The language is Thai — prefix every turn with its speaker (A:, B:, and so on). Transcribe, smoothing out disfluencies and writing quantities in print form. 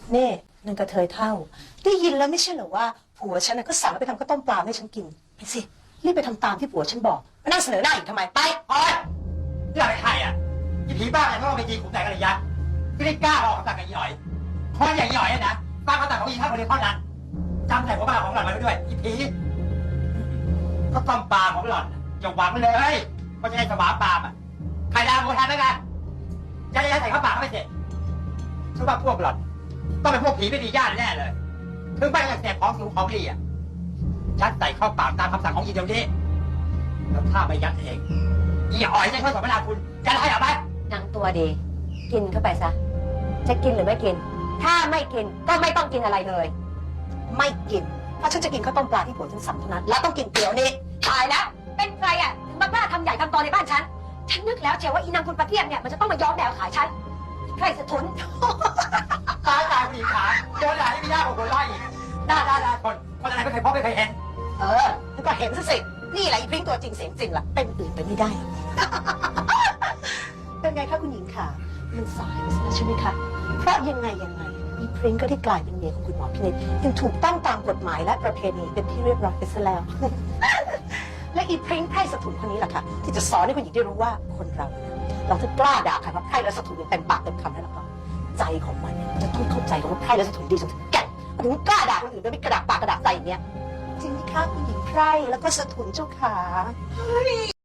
A: นี่นางกระเทยเท่าได้ยินแล้วไม่ใช่เหรอว่าผัวฉันน่ะก็สั่งให้ไปทำข้าวต้มปลาให้ฉันกินไปสิรีบไปทำตามที่ผัวฉันบอกมานั่งเสนอหน้าอีกทำไมไป
B: โอ๊ยเรื่องอะไรใครอ่ะยี่ผีบ้าอะไรเพราะว่าไปยิงขุมแต่กันเลยยะไม่ได้กล้าออกคำสั่งกับอีหน่อยคนอย่างอีหน่อยนะฟังคำสั่งของอีท่านคนเดียวเท่านั้นจำใส่หัวบ้าของหล่อนไว้ด้วยยี่ผีก็ต้มปลาของหล่อนอย่าหวังเลยว่าจะได้สวาปลาอ่ะใครดาวโมทันแล้วกันจะได้ใส่ข้าวปากไม่เสร็จฉันว่าพวกหล่อนต้องเป็นพวกผีไม่ดีญาติแน่เลยถึงไม่อยากเสพของสูงของดีอ่ะยัดใส่เข้าปากตามคำสั่งของอีเดียวนี้แล้วถ้าไม่ยัดเองอีอ๋อยจะช่วยสมนาคุณจะได้เอาไหม
C: นางตัวดีกินเข้าไปซะจะกินหรือไม่กินถ้าไม่กินก็ไม่ต้องกินอะไรเลย
A: ไม่กินเพราะฉันจะกินข้าวต้มปลาที่ผัวฉันสั่งเท่านั้นแล้วต้องกินเตี๋ยวนี่
C: ตายแล้วเป็นใครอ่ะถึงมากล้าทำใหญ่ทำโตในบ้านฉันนึกแล้วเชียวว่าอีนางคุณประเทียมเนี่ยมันจะต้องมาย้อมแมวขายฉันใครสะทุน
B: ตายผู้หญิงขาโดนด่าที่ไม่ยากกว่าคนไล่อีกด่าคนอะไรไม่เคยพบไม่เคยเห็น
A: แล้วก็เห็นซะสินี่แหละอีพริ้งตัวจริงเสียงจริงล่ะเป็นอื่นไปไม่ได้ เป็นไงคะคุณหญิงค่ะมันสายไปแล้วใช่ไหมคะเพราะยังไงอีพริ้งก็ได้กลายเป็นเมียของคุณหมอพินิจยังถูกต้องตามกฎหมายและประเพณีเป็นที่เรียบร้อยไปซะแล้ว และอีพริ้งไพร่สถุนคนนี้แหละค่ะที่จะสอนให้คุณหญิงได้รู้ว่าคนเราเนี่ยเราถ้ากล้าด่าใครว่าไพร่และสถุนอย่างเต็มปากเต็มคำแล้วก็ใจของมันเนี่ยจะต้องเข้าใจว่าไพร่และสถุนดีจนถึงแก่นถึงกล้าด่าคนอื่นโดยไม่กระดากปากกระดากใจอย่างเนี้ยจริงไหมคะคุณหญิงไพร่แล้วก็สถุนเจ้าขา